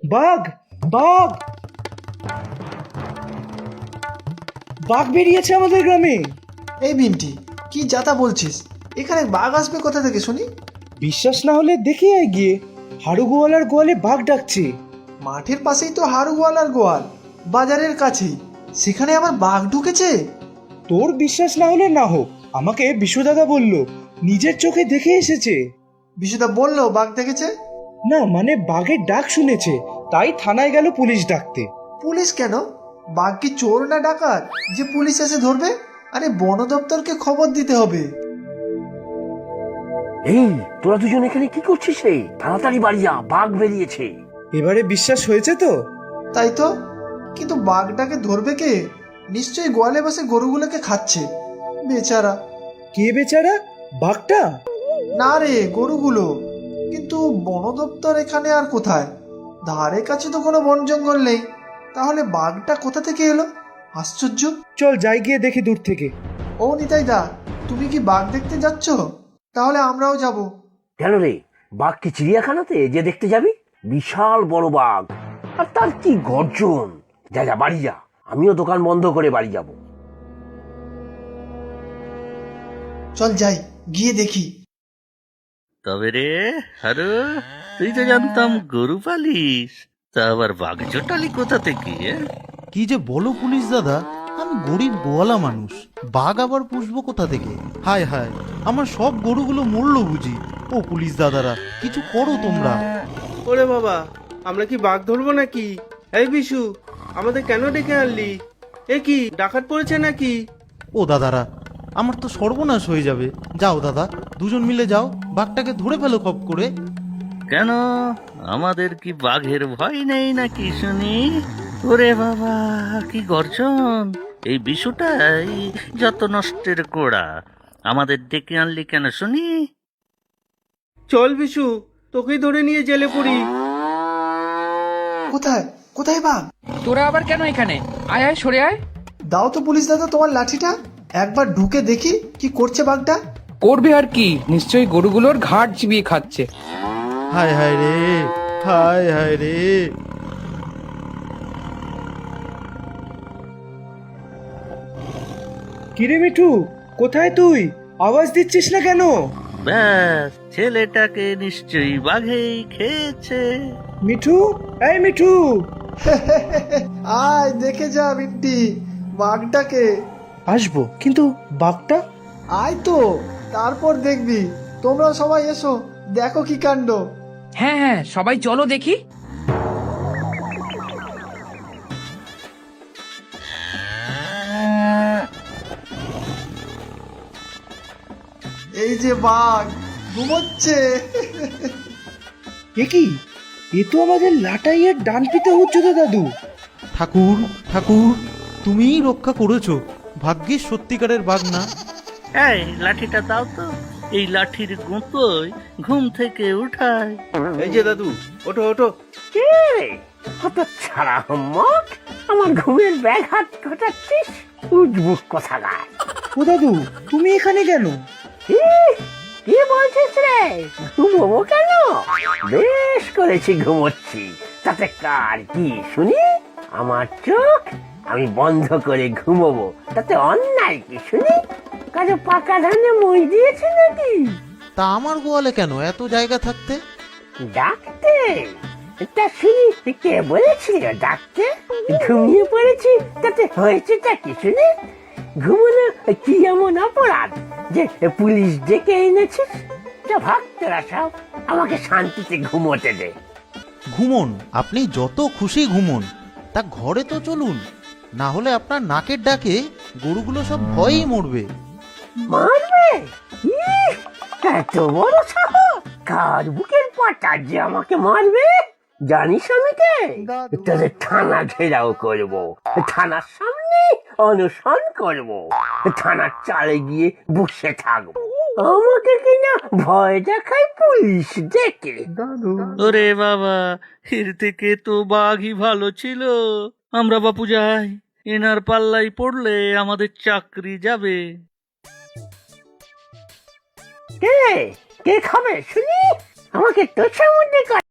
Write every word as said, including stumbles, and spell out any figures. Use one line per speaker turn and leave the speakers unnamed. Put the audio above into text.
বাঘ বাঘ বাঘ বেরিয়েছে আমাদের গ্রামে।
এই বিন্টি, কি যাতা বলছিস? এখানে বাঘ আসবে কোথা থেকে শুনি?
বিশ্বাস না হলে দেখে আয় গিয়ে, হাড়ু গোয়ালার গোয়ালে বাঘ ডাকছে।
মাঠের পাশেই তো হাড়ু গোয়ালার গোয়াল, বাজারের কাছেই, সেখানে আবার বাঘ ঢুকেছে?
তোর বিশ্বাস না হলে না হোক, আমাকে বিশুদাদা বলল, নিজের চোখে দেখে এসেছে।
বিশুদা বললো বাঘ দেখেছে?
না মানে বাঘের ডাক শুনেছে, তাই থানায় গেল পুলিশ ডাকতে।
পুলিশ কেন? বাঘ কি চোর না ডাকাত যে পুলিশ এসে ধরবে? আরে বন দপ্তরকে খবর দিতে হবে।
এই তোরা দুজন এখানে কি করছিস রে? তাড়াতাড়ি বাড়ি যা, বাঘ বেরিয়েছে।
এবারে বিশ্বাস হয়েছে তো?
তাই তো, কিন্তু বাঘটাকে ধরবে কে? নিশ্চয়ই গোয়ালে বসে গরুগুলোকে খাচ্ছে, বেচারা।
কে বেচারা? বাঘটা?
না রে, গরুগুলো। কিন্তু বন দপ্তর এখানে আর কোথায়? ধারে কাছে তো কোনো বন জঙ্গল নেই, তাহলে বাঘটা কোথা থেকে এলো? আশ্চর্য।
চল যাই গিয়ে দেখি দূর থেকে।
ও নিতাই দা, তুমি কি বাঘ দেখতে যাচ্ছ? তাহলে আমরাও যাব।
কেন রে, বাঘ কি চিড়িয়াখানাতে যে দেখতে যাবি? বিশাল বড় বাঘ, আর তার কি গর্জন! যা যা বাড়ি যা, আমিও দোকান বন্ধ করে বাড়ি যাব।
চল যাই, গিয়ে দেখি।
তবে রে হারু, তুই তো জানতাম গরু পালিস, তা আবার বাঘ জোটালি কোথা থেকে? এ?
কি যে বলো পুলিশ দাদা, আমি গরিব গোয়ালা মানুষ, বাঘ আবার পুষবো কোথা থেকে? হায় হায়, আমার সব গরুগুলো মরলো বুঝি। ও পুলিশ দাদারা, কিছু করো তোমরা।
ওরে বাবা, আমরা কি বাঘ ধরবো নাকি? এই বিশু, আমাদের কেন ডেকে আনলি? এ কি ডাকাত পড়েছে নাকি?
ও দাদারা, আমার তো সর্বনাশ হয়ে যাবে। যাও দাদা, দুজন মিলে যাও, বাঘটাকে ধরে ফেলো খপ করে।
কেন, আমাদের কি বাঘের ভয় নেই নাকি শুনি? ওরে বাবা, কি গর্জন! এই বিশুটাই যত নষ্টের গোড়া। আমাদের ডেকে আনলি কেন শুনি?
চল বিশু, তোকেই ধরে নিয়ে জেলে পড়ি।
কোথায় কোথায় বাঘ?
তোরা আবার কেন এখানে? আয় আয়, সরে আয়।
দাও তো পুলিশ দাদা তোমার লাঠিটা, একবার ঢুকে দেখি কি করছে বাঘটা।
করবে আর কি, নিশ্চয়ই গরুগুলোর ঘাট চিবিয়ে খাচ্ছে।
হায় হায় রে, হায় হায় রে।
কিরে মিঠু, কোথায় তুই? আওয়াজ দিচ্ছিস না কেন?
ব্যাস, ছেলেটাকে নিশ্চয়ই বাঘেই খেয়েছে।
মিঠু, এই মিঠু।
আয় দেখে যা বিন্টি, বাঘটাকে।
আসবো, কিন্তু বাঘটা?
আয় তো, তারপর দেখবি। তোমরা সবাই এসো, দেখো কি কাণ্ড।
হ্যাঁ হ্যাঁ, সবাই চলো দেখি।
এই যে বাঘ ঘুমোচ্ছে।
এ কি? এ তো আমাদের লাটাইয়ের ডান পিতা উচ্চতা দাদু।
ঠাকুর ঠাকুর, তুমিই রক্ষা করেছো, ভাগ্যিস সত্যিকারের বাঘ না।
এই লাঠিটা দাও তো, এই লাঠির গুঁতোয় ঘুম থেকে উঠায়।
এই যে দাদু, ওঠো ওঠো।
কে রে, কত ছাড়া হম্মক, আমার ঘুমের ব্যাঘাত ঘটাচ্ছিস? উজবুক কথা গায়।
ও দাদু, তুমি এখানে কেন?
কি বলছিস রে? ঘুমোবো কেন? বেশ করেছি ঘুমোচ্ছি, তাতে কার কি শুনি? আমার চোখ আমি বন্ধ করে ঘুমোবো, তাতে অন্যায় কি শুনি? কাজে পাকা ধানে মই দিয়েছে নাকি?
তা আমার গোয়ালে কেন এত জায়গা থাকতে?
ডাকতে? তা শুনি কে বলেছিল ডাকতে? ঘুমিয়ে পড়েছি, তাতে হয়েছেটা কি শুনি? ঘুমোনো কি এমন অপরাধ যে পুলিশ ডেকে এনেছিস? তা ভক্তরা সব, আমাকে শান্তিতে ঘুমোতে দে।
ঘুমন, আপনি যত খুশি ঘুমন, তা ঘরে তো চলুন, না হলে আপনার নাকের ডাকে গরুগুলো সব ভয়েই মরবে।
মারবে? ইহ, এত বড় সাহস! কার বুকের পাটা যে আমাকে মারবে? জানিস আমি কে? তোদের থানা ঘেরাও করব, থানার সামনে অনশন করব, থানার চালে গিয়ে বসে থাকবো, আমাকে কিনা ভয় দেখায় পুলিশ ডেকে।
ওরে বাবা, এর থেকে তো বাঘই ভালো ছিল। আমরা বাপু যাই, এনার পাল্লাই পড়লে আমাদের চাকরি যাবে।
কে কে খাবে শুনি? আমাকে তোষামুদ্দি